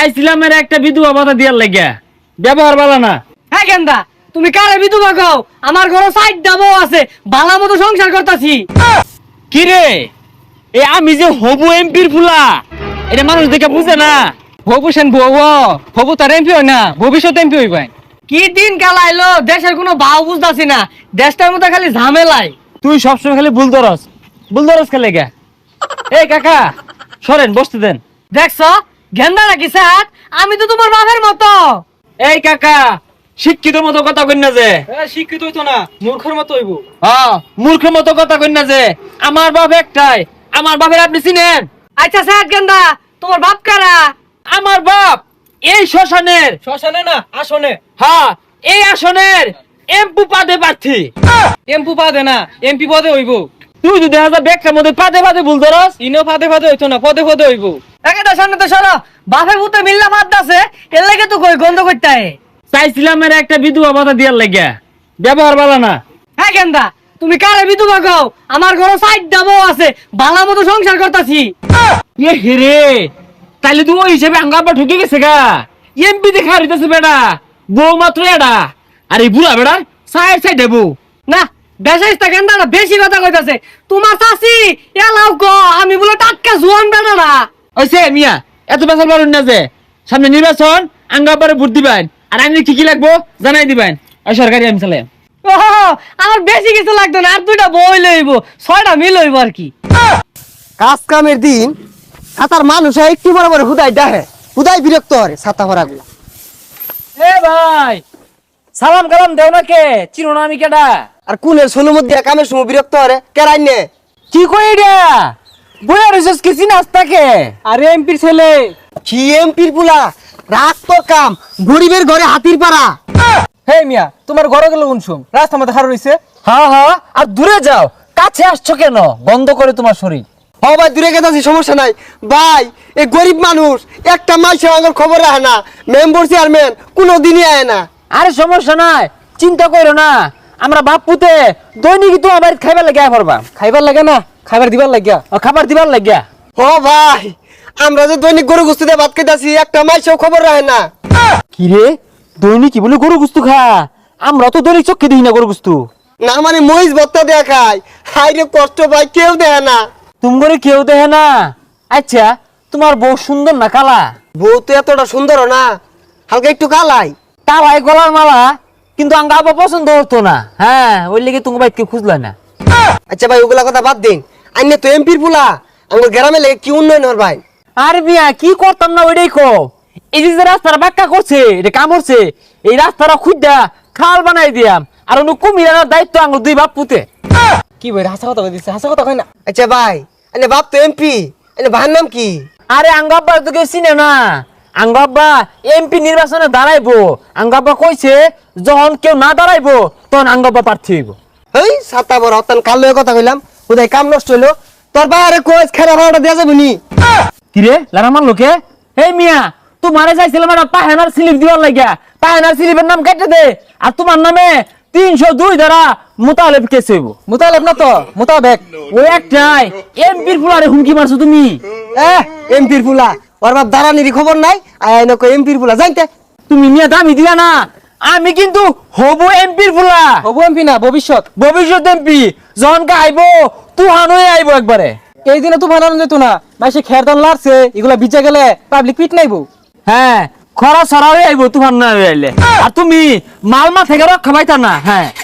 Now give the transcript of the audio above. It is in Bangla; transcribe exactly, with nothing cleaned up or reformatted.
চাইছিলাম এর একটা বিধবা ভাতা দিয়ার লাগিয়া, ব্যবহার ভালো না। হ্যাঁ গেন্দা, তুমি কারে বিধবা কও? আমার ঘরে সাইড দাবো আছে, ভালো মতো সংসার করতাছি। কি রে, এ আমি যে হবু এমপির ফুলা, এটা মানুষ দেখে বুঝে না। হবু সেন বউ হবু তার এমপি হয় না, ভবিষ্যৎ এমপি হইবাই। কি দিন কালাইলো, দেশের কোনো ভাও বুঝতাছি না, দেশটার মধ্যে খালি ঝামেলাই। তুই সবসময় খালি ভুল ধরস, ভুল ধরস খেলে গা। এই কাকা সরেন, বসতে দেন। দেখছো গেন্দা নাকি স্যার? আমি তো তোমার বাপের মতো। এই কাকা, শিক্ষিত মতো কথা কই না যে। শিক্ষিত হইতো না, মূর্খের মতো হইব। হ্যাঁ, মূর্খের মতো কথা কই না যে। আমার বাপ একটাই, আমার বাপের আপনি চিনেন? আচ্ছা স্যার গেন্দা, তোমার বাপ কারা? আমার বাপ এই শ্মশানের, শ্মশানে না আসনে। হ্যাঁ এই আসনের এমপি পাদে প্রার্থী। এমপি পদে না, এমপি পদে হইব। তুই যদি হাজার ব্যাগটার মধ্যে পাদে পাদে ভুল ধরস। ইনো ফাদে ফাদে হইতো না, পদে পদে হইব। একেটা সামনে তো সরো, বাপের ভূতে মিল্লা ভাত আছে, এর লাগে তো কই গন্ধ করতে হয়। চাইছিলাম এর একটা বিধবা ভাতা দিয়ার লাগিয়া, ব্যবহার ভালো না। হ্যাঁ গেন্দা, তুমি কারে বিধবা কও? আমার ঘরে সাইড দাবো আছে, ভালো মতো সংসার করতাছি। এ হেরে, তাইলে তুই ওই হিসেবে আঙ্গাপা ঢুকে গেছে গা। এমপি দেখা হইতেছে বেটা, বউ মাত্র এডা। আর এই বুড়া বেড়া সাইড সাইড দেবো না বেশাইস্তা গেন্দা না, বেশি কথা কইতাছে। তোমার চাচি এলাও গো, আমি বলে টাটকা জোয়ান বেটা না। ওইসে মিয়া, এত বেসাল পারুন না যে। সামনে নির্বাচন, আঙ্গাপারে ভোট দিবেন, আর আমি কি কি লাগবো জানাই দিবেন। ওই সরকারি আমি চালাই। ও আমার বেশি কিছু লাগতো না, আর দুইটা বই লইব, ছয়টা মিল হইব আর কি। কাজ কামের দিন সাতার মানুষ একটু বড় বড় হুদাই ডাহে, হুদাই বিরক্ত হরে ছাতা ভরা গুলা। এ ভাই, সালাম কালাম দেও না কে? চিনো না আমি কেডা? আর কুলের সোনুর মধ্যে কামের সময় বিরক্ত হরে কেরাই নে। কি কই এটা? বইয়া রিসার্চ কি চিনাস তাকে? আরে এমপির ছেলে। কি এমপির পুলা, রাগ তোর কাম, গরিবের ঘরে হাতির পাড়া। হে মিয়া, তোমার ঘরে গেল কোন শুন? রাস্তা মধ্যে খাড়া রইছে। হ্যাঁ হ্যাঁ, আর দূরে যাও, কাছে আসছো কেন? বন্ধ করে তোমার শরীর। হ ভাই দূরে গেছি, সমস্যা নাই ভাই। এই গরিব মানুষ একটা মাইসে আমার খবর রাখে না, মেম্বার চেয়ারম্যান কোনো দিনই আয় না। আরে সমস্যা নাই, চিন্তা করো না। আমরা বাপুতে দৈনিক তোমার বাড়িতে খাইবার লাগিয়া পড়বা। খাইবার লাগে না, খাবার দিবার লাগিয়া। ও খাবার দিবার লাগিয়া। হ ভাই, আমরা যে দৈনিক গরু গুস্তিতে ভাত খাইতাছি, একটা মাইসেও খবর রাখে না। কি রে, দৈনিক কি বলে গরু গুস্তু খা? আমরা তো দৈনিক চোখে দেখি না গরু গুস্তু। না মানে মহিষ ভত্তা দেয়া খায়, হাই রে কষ্ট ভাই, কেউ দেয় না। তুমি করে কেউ দেখে না? আচ্ছা, তোমার বউ সুন্দর না কালা? বউ তো এতটা সুন্দর না, হালকা একটু কালাই। কালাই গলার মালা, কিন্তু আঙ্গা আবার পছন্দ হতো না। হ্যাঁ, ওই লেগে তুমি বাইক খুঁজলা না। আচ্ছা ভাই ওগুলা কথা বাদ দিন, আইনে তো এমপির পুলা, আমার গ্রামে লেগে কি উন্নয়ন হর ভাই? আরে মিয়া, কি করতাম না ওইটাই কো। এই যে যে রাস্তাটা বাক্কা করছে, এটা কাম করছে, এই রাস্তাটা খুঁজা খাল বানাই দিয়াম। আর অন্য কুমির আনার দায়িত্ব আঙ্গুর দুই বাপ পুতে। কি ভাই হাসা কথা কইছে? হাসা কথা কই না। আচ্ছা ভাই, আইনে বাপ তো এমপি, আইনে ভাইয়ের নাম কি? আরে আঙ্গাব্বা তো কেউ চিনে না। আঙ্গাব্বা এমপি নির্বাচনে দাঁড়াইবো। আঙ্গাব্বা কইছে যখন কেউ না দাঁড়াইবো তখন আঙ্গাব্বা প্রার্থী হইব। হেই সাতা বড় হতান কালো কথা কইলাম, ওদের কাম নষ্ট হইলো। তোর বাইরে কোচ খেলা ভাড়াটা দেওয়া যাবে নি? কিরে লারা মার লোকে? এই মিয়া, তোমারে চাইছিলাম একটা পাহেনার স্লিপ দিবার লাগিয়া। পাহেনার স্লিপের নাম কেটে দে, আর তোমার নামে তিনশো দুই ধারা মোতালেব কেস হইব। মুতালেব না তো, মুতাবেক। ওই একটাই এমপির ফুলারে হুমকি মারছো তুমি। এহ এমপির পুলা, ওর বাপ দাঁড়ানির খবর নাই, আইনে কো এমপির পুলা জানতে। তুমি মিয়া দামি দিলা না। আমি কিন্তু হবু এমপির ফুলা, হবু এমপি না, ভবিষ্যৎ। ভবিষ্যৎ এমপি। যখন আইব তুহান হয়ে আইব একবারে। এই দিনে তো বানানো যেত না, মাসে খের দান লাড়ছে, এগুলা বিচা গেলে পাবলিক পিট নাইবো। হ্যাঁ, খরা ছড়া হয়ে আইব তুফান না হয়ে আইলে। আর তুমি মালমা থেকে রক্ষা পাইতা না। হ্যাঁ।